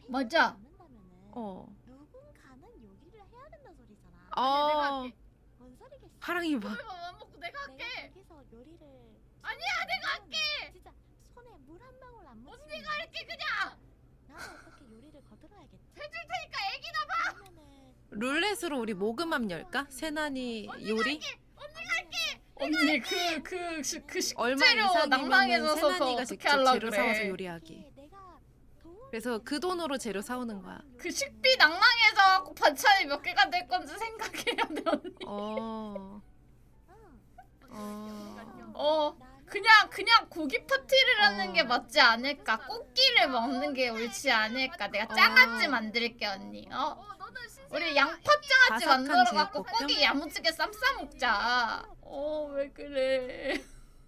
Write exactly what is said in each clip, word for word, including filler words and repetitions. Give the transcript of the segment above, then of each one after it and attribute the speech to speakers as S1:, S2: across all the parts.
S1: 맞아.
S2: 어.
S3: 누군가는 요리를 해야 된다 소리잖아.
S1: 아니야, 내가
S2: 어.
S1: 할게.
S3: 뭔 소리겠어?
S2: 하랑이 봐.
S1: 그러면 안 먹고 내가 할게.
S3: 내가 거기서 요리를
S1: 아니야, 내가 할게.
S3: 진짜 손에 물 한 방울 안 묻히면
S1: 언니가 할게 그냥.
S3: 나는 어떻게 요리를 거들어야겠지?
S1: 해줄 테니까 애기나 봐.
S3: 그러면은
S2: 룰렛으로 우리 모금함 열까? 세난이 요리?
S1: 언니 그 그 그
S2: 얼마
S1: 식재료
S2: 이상이면
S1: 낭망해져서 그거
S2: 세난이가
S1: 어떻게
S2: 직접
S1: 하려
S2: 재료 사와서
S1: 그래.
S2: 요리하기.
S3: 이게 내가 도움이
S2: 그래서 그 돈으로 재료 사오는 거야.
S1: 그 식비 낭망해서 반찬이 몇 개가 될 건지 생각해야 돼 언니.
S2: 어.
S3: 응.
S2: 어.
S1: 어
S3: 나는
S1: 그냥 그냥 고기 파티를 하는
S2: 어.
S1: 게 맞지 않을까? 꽃기를 먹는 게 옳지 않을까? 내가 짱아찌 만들게 언니. 어? 우리 양파 짱아찌
S2: 바삭한
S1: 만들어갖고
S2: 제육볶음?
S1: 고기 야무지게 쌈 싸 먹자. 어 왜 그래?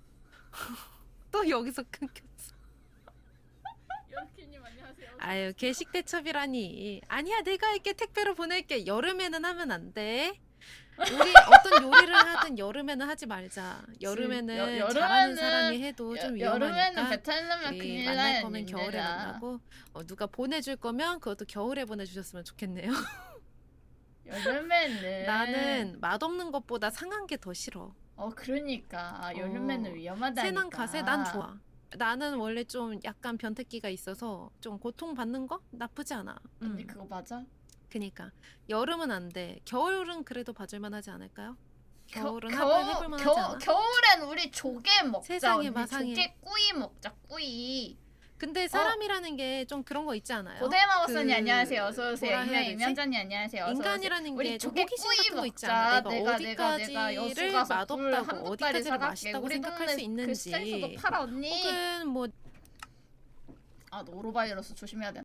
S2: 또 여기서 끊겼어.
S1: 연키님 안녕하세요.
S2: 아유 개식 대첩이라니. 아니야 내가 할게 택배로 보낼게. 여름에는 하면 안 돼. 우리 어떤 요리를 하든 여름에는 하지 말자. 여름에는
S1: 여- 여름에는-
S2: 잘하는 사람이 해도 좀
S1: 여, 여름에는
S2: 위험하니까.
S1: 배탈 나면
S2: 우리
S1: 큰일
S2: 만날
S1: 나요.
S2: 거면 겨울에 만나고 어, 누가 보내줄 거면 그것도 겨울에 보내주셨으면 좋겠네요.
S1: 여름에는
S2: 나는 맛없는 것보다 상한 게 더 싫어.
S1: 어 그러니까 여름에는
S2: 어,
S1: 위험하다니까.
S2: 세난 가세 난 좋아. 나는 원래 좀 약간 변태기가 있어서 좀 고통받는 거 나쁘지 않아.
S1: 언니
S2: 음.
S1: 그거 맞아?
S2: 그니까 여름은 안 돼. 겨울은 그래도 봐줄만 하지 않을까요? 겨울은
S1: 겨-
S2: 한번 해볼만 하지 않아?
S1: 겨울엔 우리 조개 먹자.
S2: 세상에
S1: 언니.
S2: 마상에.
S1: 조개 꾸이 먹자. 꾸이.
S2: 근데 사람이라는 게 좀 그런 거 있지 않아요?
S1: 고대마법사님
S2: 그
S1: 안녕하세요. 어서 오세요.
S2: 뭐라 해야
S1: 이면
S2: 되지?
S1: 이면자님 안녕하세요. 어서
S2: 인간이라는
S1: 오세요. 우리
S2: 게 좀
S1: 조개
S2: 호기심
S1: 꾸이
S2: 같은 거 있지
S1: 먹자.
S2: 않아? 내가,
S1: 내가 내가 내가
S2: 어디까지를
S1: 여수 가서 굴
S2: 맛없다고
S1: 한두
S2: 어디까지를
S1: 다리 사갈게.
S2: 맛있다고
S1: 우리
S2: 생각할
S1: 동네
S2: 수
S1: 그
S2: 있는지
S1: 시장에서도 팔아 언니.
S2: 혹은 뭐
S1: 아 노로바이러스 조심해야 돼.